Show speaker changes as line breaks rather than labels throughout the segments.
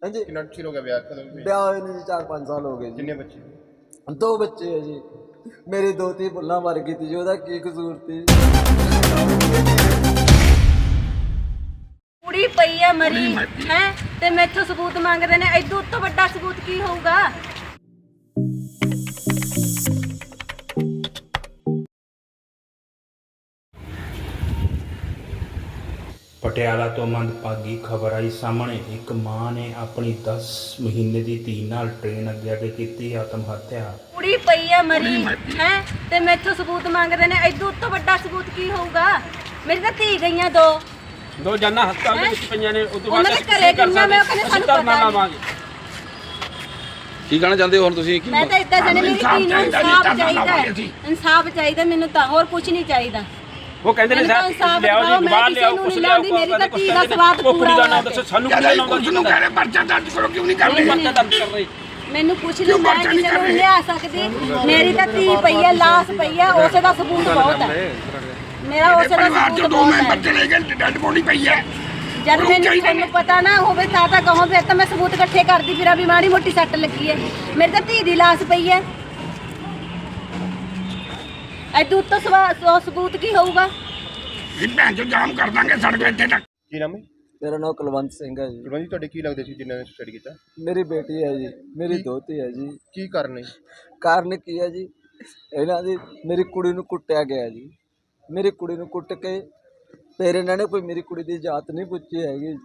हाँ जी।
कितना चिर हो गया ब्याह कदों होया?
ब्याह होए जी 4-5 साल हो गए जी।
किन्ने बच्चे?
2 बच्चे है जी। मेरी दोती भुल्ला मर गई थी जी, ओदा की कसूर थी?
ਕੁੜੀ ਪਈ ਆ ਮਰੀ ਹੈ ਤੇ ਮੈਥੋਂ ਸਬੂਤ ਮੰਗਦੇ ਨੇ। ਇਦੋਂ ਉੱਤੋਂ ਵੱਡਾ ਸਬੂਤ ਕੀ ਹੋਊਗਾ?
ਪਟਿਆਲਾ ਤੋਂ ਮੰਦਭਾਗੀ ਖਬਰ ਆਈ ਸਾਹਮਣੇ। ਇੱਕ ਮਾਂ ਨੇ ਆਪਣੀ 10 ਮਹੀਨੇ ਦੀ ਧੀ ਨਾਲ ਟ੍ਰੇਨ ਅੱਗੇ ਕੀਤੀ ਆਤਮ ਹੱਤਿਆ।
ਕੁੜੀ ਪਈ ਆ ਮਰੀ ਹੈ ਤੇ ਮੈਥੋਂ ਸਬੂਤ ਮੰਗਦੇ ਨੇ। ਇਦੋਂ ਉੱਤੋਂ ਵੱਡਾ ਸਬੂਤ ਕੀ ਹੋਊਗਾ? ਮੇਰੀ ਤਾਂ ਧੀ ਗਈਆਂ ਦੋ
ਜਾਨਾਂ ਹਸਪਤਾਲ ਦੇ ਵਿੱਚ ਪਈਆਂ ਨੇ। ਉਸ ਤੋਂ ਬਾਅਦ
ਉਹਨਾਂ ਦੇ ਘਰੇ ਕਿੰਨਾ ਮੈਂ ਕਹਿੰਦੇ ਸਾਨੂੰ ਪਤਾ
ਲਾਵਾਂਗੇ।
ਕੀ ਕਹਿਣਾ ਚਾਹੁੰਦੇ ਹੋ ਹੁਣ ਤੁਸੀਂ?
ਮੈਂ ਤਾਂ ਇੱਦਾਂ ਜਾਣੇ ਮੇਰੀ ਧੀ ਨੂੰ ਇਨਸਾਫ ਚਾਹੀਦਾ ਹੈ। ਇਨਸਾਫ ਚਾਹੀਦਾ ਮੈਨੂੰ ਤਾਂ, ਹੋਰ ਕੁਝ ਨਹੀਂ ਚਾਹੀਦਾ।
ਉਹ ਕਹਿੰਦੇ ਨੇ ਸਾਹਿਬ ਲਿਆਓ ਜੀ, ਬਾਹਰ ਲਿਆਓ, ਕੁਛ ਲਿਆਓ।
ਮੇਰੀ ਤਾਂ ਧੀ ਦਾ ਸਵਾਦ
ਉਹ ਕੁੜੀ ਦਾ
ਪੂਰਾ
ਨਾਮ ਦੱਸੋ ਸਾਨੂੰ। ਕਿਹਦਾ ਨਾਮ ਦੱਸੋ?
ਨੂੰ ਕਹਿੰਦੇ ਪਰਚਾ ਦਰਜ ਕਰੋ, ਕਿਉਂ ਨਹੀਂ ਕਰਦੇ?
ਪਰਚਾ ਦਰਜ ਕਰ ਰਹੇ।
ਮੈਨੂੰ ਕੁਛ ਨਹੀਂ, ਮੈਂ ਕਿਸੇ ਨੂੰ ਲਿਆ ਸਕਦੀ। ਮੇਰੀ ਤਾਂ ਧੀ ਪਈ ਹੈ, ਲਾਸ਼ ਪਈ ਹੈ, ਉਸੇ ਦਾ ਸਬੂਤ ਬਹੁਤ ਹੈ। ਮੇਰਾ ਉਸੇ ਦਾ ਸਬੂਤ ਬਹੁਤ ਹੈ।
ਚਲੇ ਗਏ, ਡੈਡ ਬੋਡੀ ਪਈ ਹੈ।
ਜਦ ਮੈਨੂੰ ਤੁਹਾਨੂੰ ਪਤਾ ਨਾ ਹੋਵੇ ਤਾਂ ਕਹੋ, ਫਿਰ ਤਾਂ ਮੈਂ ਸਬੂਤ ਇਕੱਠੇ ਕਰਦੀ ਫਿਰਾਂ ਵੀ ਮਾੜੀ ਮੋਟੀ ਸੱਟ ਲੱਗੀ ਹੈ। ਮੇਰੀ ਤਾਂ ਧੀ ਦੀ ਲਾਸ਼ ਪਈ ਹੈ। ਐਦੂ ਉੱਤੋਂ ਸਬੂਤ ਕੀ ਹੋਊਗਾ?
ਇਹ ਭੈਣ ਚੋ ਜਾਮ ਕਰ ਦਾਂਗੇ ਸੜਕ ਇੱਥੇ ਤੱਕ।
ਕੀ ਨਾਮ ਹੈ?
मेरा नाम कुलवंत सिंह है जी।
ਗੁਰਵੰਤ ਜੀ ਤੁਹਾਡੇ ਕੀ ਲੱਗਦੇ ਸੀ ਜਿਨ੍ਹਾਂ ਨੇ ਸੁਸਾਈਡ ਕੀਤਾ?
मेरी बेटी है जी, मेरी दोती है जी।
ਕੀ ਕਾਰਨ ਹੈ?
ਕਾਰਨ ਕੀ ਹੈ ਜੀ, ਇਹਨਾਂ ਦੀ ਮੇਰੀ ਕੁੜੀ ਨੂੰ ਕੁੱਟਿਆ ਗਿਆ ਜੀ। ਮੇਰੀ ਕੁੜੀ ਨੂੰ ਕੁੱਟ ਕੇ ਫਿਰ ਇਹਨਾਂ ਨੇ ਕੋਈ ਮੇਰੀ ਕੁੜੀ ਦੀ ਜਾਤ ਨਹੀਂ ਪੁੱਛੀ ਹੈਗੀ,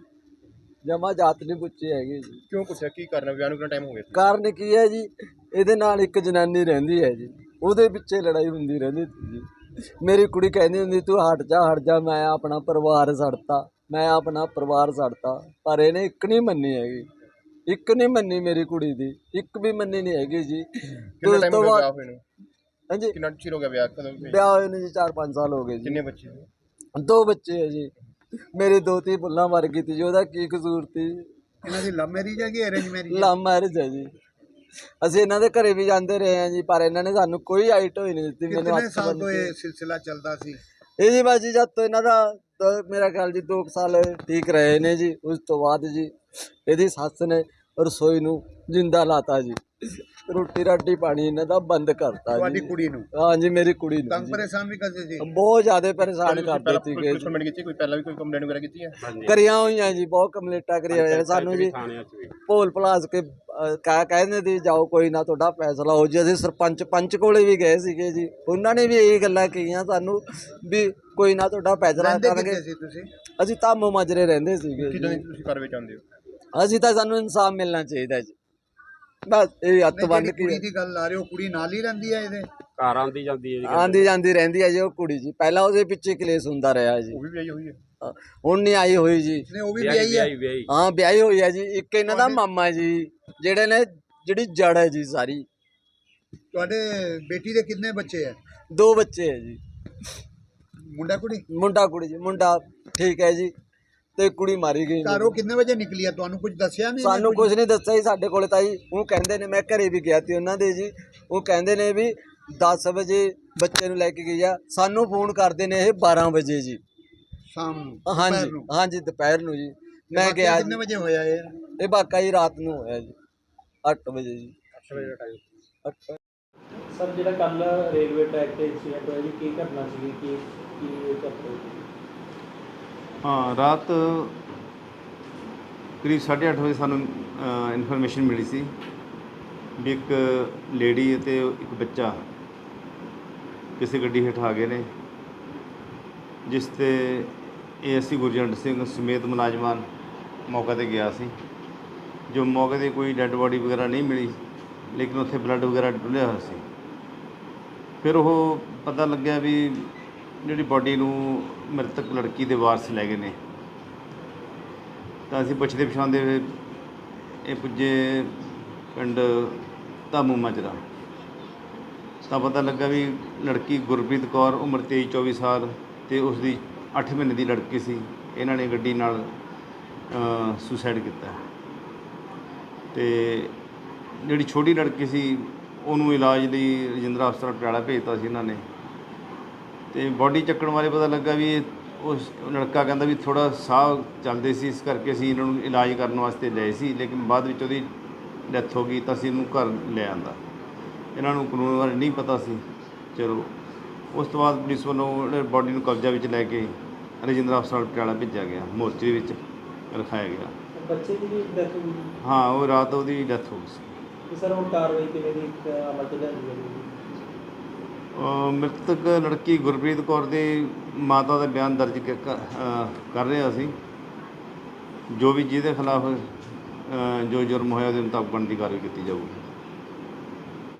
ਜਮਾ ਜਾਤ ਨਹੀਂ ਪੁੱਛੀ ਹੈਗੀ ਜੀ।
ਕਿਉਂ ਪੁੱਛਿਆ ਕੀ ਕਾਰਨ ਹੈ? ਵਿਆਹ ਨੂੰ ਕਿੰਨਾ ਟਾਈਮ ਹੋ ਗਿਆ?
ਕਾਰਨ ਕੀ ਹੈ ਜੀ, ਇਹਦੇ ਨਾਲ ਇੱਕ ਜਨਾਨੀ ਰਹਿੰਦੀ ਹੈ ਜੀ, ਉਹਦੇ ਪਿੱਛੇ ਲੜਾਈ ਹੁੰਦੀ ਰਹਿੰਦੀ ਸੀ ਜੀ। ਮੇਰੀ ਕੁੜੀ ਕਹਿੰਦੀ ਹੁੰਦੀ ਤੂੰ ਹਟ ਜਾ, ਮੈਂ ਆਪਣਾ ਪਰਿਵਾਰ ਛੱਡਤਾ, ਮੈਂ ਆਪਣਾ ਪਰਿਵਾਰ ਛੱਡਤਾ। ਪਰ ਇਹਨੇ ਇੱਕ ਨਹੀਂ ਮੰਨੀ ਹੈਗੀ, ਇੱਕ ਨਹੀਂ ਮੰਨੀ ਮੇਰੀ ਕੁੜੀ ਦੀ, ਇੱਕ ਵੀ ਮੰਨੀ ਨਹੀਂ ਹੈਗੀ ਜੀ।
ਕਿੰਨਾ ਟਾਈਮ ਹੋ ਗਿਆ ਵਿਆਹ ਹੋਏ ਨੂੰ?
ਹਾਂਜੀ।
ਕਿੰਨਾ ਚਿਰ ਹੋ ਗਿਆ ਵਿਆਹ ਕਦੋਂ ਹੋਇਆ?
ਵਿਆਹ ਹੋਏ ਨੂੰ ਜੀ 4-5 ਸਾਲ ਹੋ ਗਏ ਜੀ।
ਕਿੰਨੇ ਬੱਚੇ?
2 ਬੱਚੇ ਹੈ ਜੀ। ਮੇਰੀ ਦੋਤੀ ਭੁੱਲਾ ਮਰ ਗਈ ਸੀ ਜੀ, ਉਹਦਾ ਕੀ ਕਸੂਰ ਸੀ?
ਇਹਨਾਂ ਦੀ ਲਵ ਮੈਰਿਜ ਹੈ ਕਿ ਅਰੇਂਜ ਮੈਰਿਜ?
ਲਵ ਮੈਰਿਜ ਹੈ ਜੀ। ਅਸੀਂ ਇਹਨਾਂ ਦੇ ਘਰੇ ਵੀ ਜਾਂਦੇ ਰਹੇ ਹਾਂ ਜੀ, ਪਰ ਇਹਨਾਂ ਨੇ ਸਾਨੂੰ ਕੋਈ ਆਈਟ ਹੋਈ ਨਹੀਂ ਦਿੱਤੀ। ਮੈਨੂੰ
ਕਿੰਨੇ ਸਾਲ ਤੋਂ ਇਹ ਸਿਲਸਿਲਾ ਚੱਲਦਾ ਸੀ?
ਇਹ ਜੀ ਬਸ ਜੀ ਜਦ ਤੋਂ ਇਹਨਾਂ ਦਾ ਮੇਰਾ ਖਿਆਲ ਜੀ 2 ਸਾਲ ਠੀਕ ਰਹੇ ਨੇ ਜੀ। ਉਸ ਤੋਂ ਬਾਅਦ ਜੀ ਇਹਦੀ ਸੱਸ ਨੇ ਰਸੋਈ ਨੂੰ ਜਿੰਦਾ ਲਾਤਾ ਜੀ, ਰੋਟੀ ਰਾਟੀ ਪਾਣੀ ਇਹਨਾਂ ਦਾ ਬੰਦ ਕਰਤਾ ਜੀ।
ਤੁਹਾਡੀ ਕੁੜੀ ਨੂੰ?
ਹਾਂ ਜੀ, ਮੇਰੀ ਕੁੜੀ ਨੂੰ
ਤੰਗ
ਜੀ।
ਪਰੇਸ਼ਾਨ ਵੀ ਕਰਦੇ ਸੀ?
ਬਹੁਤ ਜ਼ਿਆਦਾ ਪਰੇਸ਼ਾਨ ਕਰਦੇ ਸੀਗੇ ਜੀ।
ਕੰਪਲੇਂਟ ਕੀਤੀ? ਕੋਈ ਪਹਿਲਾਂ ਵੀ ਕੋਈ ਕੰਪਲੇਂਟ ਵਗੈਰਾ ਕੀਤੀ ਹੈ?
ਕਰੀਆਂ ਹੋਈਆਂ ਜੀ, ਬਹੁਤ ਕੰਪਲੇਂਟਾਂ ਕਰੀਆਂ ਹੋਈਆਂ ਸਾਨੂੰ ਜੀ। ਭੋਲ ਭਲਾਸ ਕੇ ਕਹਿੰਦੇ ਸੀ ਜਾਓ ਕੋਈ ਨਾ ਤੁਹਾਡਾ ਫੈਸਲਾ ਹੋ ਜੀ। ਅਸੀਂ ਸਰਪੰਚ ਪੰਚ ਕੋਲੇ ਵੀ ਗਏ ਸੀਗੇ ਜੀ, ਉਹਨਾਂ ਨੇ ਵੀ ਇਹ ਗੱਲਾਂ ਕਹੀਆਂ ਸਾਨੂੰ ਵੀ ਕੋਈ ਨਾ ਤੁਹਾਡਾ ਫੈਸਲਾ ਕਰਾਂਗੇ।
ਤੁਸੀਂ?
ਅਸੀਂ ਧਾਮੋ ਮਾਜਰੇ ਰਹਿੰਦੇ ਸੀਗੇ
ਕਿਦਾਂ
ਜੀ।
ਦੀ ਤੁਸੀਂ ਕਾਰਵਾਈ ਚਾਹੁੰਦੇ ਹੋ?
ਅਸੀਂ ਤਾਂ ਸਾਨੂੰ ਇਨਸਾਫ ਮਿਲਣਾ ਚਾਹੀਦਾ ਜੀ, ਬਸ ਇਹ ਹੱਥ ਬੰਨ ਕੇ।
ਕੁੜੀ ਦੀ ਗੱਲ ਆ ਰਹੇ ਹੋ, ਕੁੜੀ ਨਾਲ ਹੀ ਰਹਿੰਦੀ ਹੈ ਇਹਦੇ?
ਘਰ ਆਂਦੀ ਜਾਂਦੀ ਹੈ ਜੀ,
ਆਂਦੀ ਜਾਂਦੀ ਰਹਿੰਦੀ ਹੈ ਜੀ ਉਹ ਕੁੜੀ ਜੀ। ਪਹਿਲਾਂ ਉਹਦੇ ਪਿੱਛੇ ਕਲੇਸ਼ ਹੁੰਦਾ ਰਿਹਾ ਜੀ,
ਉਹ ਵੀ ਵਿਆਹੀ ਹੋਈ ਹੈ?
ਹੁਣ ਨਹੀਂ ਆਈ ਹੋਈ ਜੀ।
ਨੇ ਉਹ ਵੀ ਵਿਆਹੀ ਹੈ?
ਹਾਂ ਵਿਆਹੀ ਹੋਈ ਹੈ ਜੀ। ਇੱਕ ਇਹਨਾਂ ਦਾ ਮਾਮਾ ਜੀ, ਜਿਹੜੇ ਨੇ ਜਿਹੜੀ ਜੜ ਹੈ ਜੀ ਸਾਰੀ।
ਤੁਹਾਡੇ ਬੇਟੀ ਦੇ ਕਿੰਨੇ ਬੱਚੇ ਹੈ?
2 ਬੱਚੇ ਹੈ ਜੀ।
ਮੁੰਡਾ ਕੁੜੀ?
ਮੁੰਡਾ ਕੁੜੀ ਜੀ। ਮੁੰਡਾ ਠੀਕ ਹੈ ਜੀ, ਤੇ ਕੁੜੀ ਮਾਰੀ ਗਈ।
ਘਰੋਂ ਕਿੰਨੇ ਵਜੇ ਨਿਕਲੀ ਹੈ? ਤੁਹਾਨੂੰ ਕੁਝ ਦੱਸਿਆ ਨਹੀਂ?
ਸਾਨੂੰ ਕੁਝ ਨਹੀਂ ਦੱਸਿਆ ਜੀ ਸਾਡੇ ਕੋਲ ਤਾਂ ਜੀ। ਉਹ ਕਹਿੰਦੇ ਨੇ, ਮੈਂ ਘਰੇ ਵੀ ਗਿਆ ਸੀ ਉਹਨਾਂ ਦੇ ਜੀ, ਉਹ ਕਹਿੰਦੇ ਨੇ ਵੀ 10 ਵਜੇ ਬੱਚੇ ਨੂੰ ਲੈ ਕੇ ਗਈ ਆ। ਸਾਨੂੰ ਫੋਨ ਕਰਦੇ ਨੇ ਇਹ 12 ਵਜੇ ਜੀ
ਸ਼ਾਮ ਨੂੰ?
ਹਾਂਜੀ ਹਾਂਜੀ, ਦੁਪਹਿਰ ਨੂੰ ਜੀ। ਮੈਂ ਗਿਆ।
ਕਿੰਨੇ ਵਜੇ ਹੋਇਆ ਇਹ?
ਇਹ ਵਾਕਾ ਜੀ ਰਾਤ ਨੂੰ ਹੋਇਆ ਜੀ 8 ਵਜੇ ਜੀ।
8 ਵਜੇ ਦਾ ਟਾਈਮ।
8
ਸਰ ਜਿਹੜਾ ਕੱਲ ਰੇਲਵੇ ਟਰੈਕ ਤੇ ਐਕਸੀਡੈਂਟ ਹੋਇਆ ਜੀ, ਕੀ ਘਟਨਾ ਸੀਗੀ? ਕੀ ਚੱਕਰ ਸੀ?
ਹਾਂ, ਰਾਤ ਕਰੀਬ 8:30 ਵਜੇ ਸਾਨੂੰ ਇਨਫੋਰਮੇਸ਼ਨ ਮਿਲੀ ਸੀ ਵੀ ਇੱਕ ਲੇਡੀ ਅਤੇ ਇੱਕ ਬੱਚਾ ਕਿਸੇ ਗੱਡੀ ਹੇਠ ਆ ਗਏ ਨੇ, ਜਿਸ 'ਤੇ ਏਐਸਸੀ ਗੁਰਜੰਟ ਸਿੰਘ ਸਮੇਤ ਮੁਲਾਜ਼ਮਾਨ ਮੌਕੇ 'ਤੇ ਗਿਆ ਸੀ। ਜੋ ਮੌਕੇ 'ਤੇ ਕੋਈ ਡੈੱਡ ਬੋਡੀ ਵਗੈਰਾ ਨਹੀਂ ਮਿਲੀ, ਲੇਕਿਨ ਉੱਥੇ ਬਲੱਡ ਵਗੈਰਾ ਡੁੱਲਿਆ ਹੋਇਆ ਸੀ। ਫਿਰ ਉਹ ਪਤਾ ਲੱਗਿਆ ਵੀ ਜਿਹੜੀ ਬੋਡੀ ਨੂੰ ਮ੍ਰਿਤਕ ਲੜਕੀ ਦੇ ਵਾਰਸ ਲੈ ਗਏ ਨੇ। ਤਾਂ ਅਸੀਂ ਪੁੱਛਦੇ ਪਛਾਣਦੇ ਹੋਏ ਇਹ ਪੁੱਜੇ ਪਿੰਡ ਧਾਮੂ ਮਾਜਰਾ, ਤਾਂ ਪਤਾ ਲੱਗਾ ਵੀ ਲੜਕੀ ਗੁਰਪ੍ਰੀਤ ਕੌਰ ਉਮਰ 23-24 ਸਾਲ ਅਤੇ ਉਸ ਦੀ 8 ਮਹੀਨੇ ਦੀ ਲੜਕੀ ਸੀ। ਇਹਨਾਂ ਨੇ ਗੱਡੀ ਨਾਲ ਸੁਸਾਈਡ ਕੀਤਾ। ਅਤੇ ਜਿਹੜੀ ਛੋਟੀ ਲੜਕੀ ਸੀ ਉਹਨੂੰ ਇਲਾਜ ਲਈ ਰਜਿੰਦਰਾ ਹਸਪਤਾਲ ਪਟਿਆਲਾ ਭੇਜਤਾ ਸੀ ਇਹਨਾਂ ਨੇ। ਅਤੇ ਬੋਡੀ ਚੱਕਣ ਬਾਰੇ ਪਤਾ ਲੱਗਾ ਵੀ ਇਹ ਉਸ ਲੜਕਾ ਕਹਿੰਦਾ ਵੀ ਥੋੜ੍ਹਾ ਸਾਹ ਚੱਲਦੇ ਸੀ, ਇਸ ਕਰਕੇ ਅਸੀਂ ਇਹਨਾਂ ਨੂੰ ਇਲਾਜ ਕਰਨ ਵਾਸਤੇ ਲਏ ਸੀ, ਲੇਕਿਨ ਬਾਅਦ ਵਿੱਚ ਉਹਦੀ ਡੈਥ ਹੋ ਗਈ ਤਾਂ ਅਸੀਂ ਇਹਨੂੰ ਘਰ ਲੈ ਆਂਦਾ। ਇਹਨਾਂ ਨੂੰ ਕਾਨੂੰਨ ਬਾਰੇ ਨਹੀਂ ਪਤਾ ਸੀ। ਚਲੋ ਉਸ ਤੋਂ ਬਾਅਦ ਪੁਲਿਸ ਵੱਲੋਂ ਬੋਡੀ ਨੂੰ ਕਬਜ਼ਾ ਵਿੱਚ ਲੈ ਕੇ ਰਜਿੰਦਰਾ ਹਸਪਤਾਲ ਪਟਿਆਲਾ ਭੇਜਿਆ ਗਿਆ, ਮੋਰਚਰੀ ਵਿੱਚ ਰਖਾਇਆ ਗਿਆ।
ਬੱਚੇ ਦੀ ਵੀ ਡੈਥ ਹੋ ਗਈ
ਹਾਂ, ਉਹ ਰਾਤ ਉਹਦੀ ਡੈਥ ਹੋ ਗਈ ਸੀ।
ਤੇ ਸਰ ਹੁਣ ਕਾਰਵਾਈ ਕਿਵੇਂ ਦੀ ਅਮਲ ਚ ਲਿਆਂਦੀ ਜਾਵੇਗੀ?
ਮ੍ਰਿਤਕ ਲੜਕੀ ਗੁਰਪ੍ਰੀਤ ਕੌਰ ਦੇ ਮਾਤਾ ਦਾ ਬਿਆਨ ਦਰਜ ਕਰ ਰਹੇ ਅਸੀਂ। ਜੋ ਵੀ ਜਿਹਦੇ ਖਿਲਾਫ ਜੋ ਜੁਰਮ ਹੋਇਆ ਉਹਦੇ ਮੁਤਾਬਕ ਬਣਦੀ ਕਾਰਵਾਈ ਕੀਤੀ ਜਾਊਗੀ।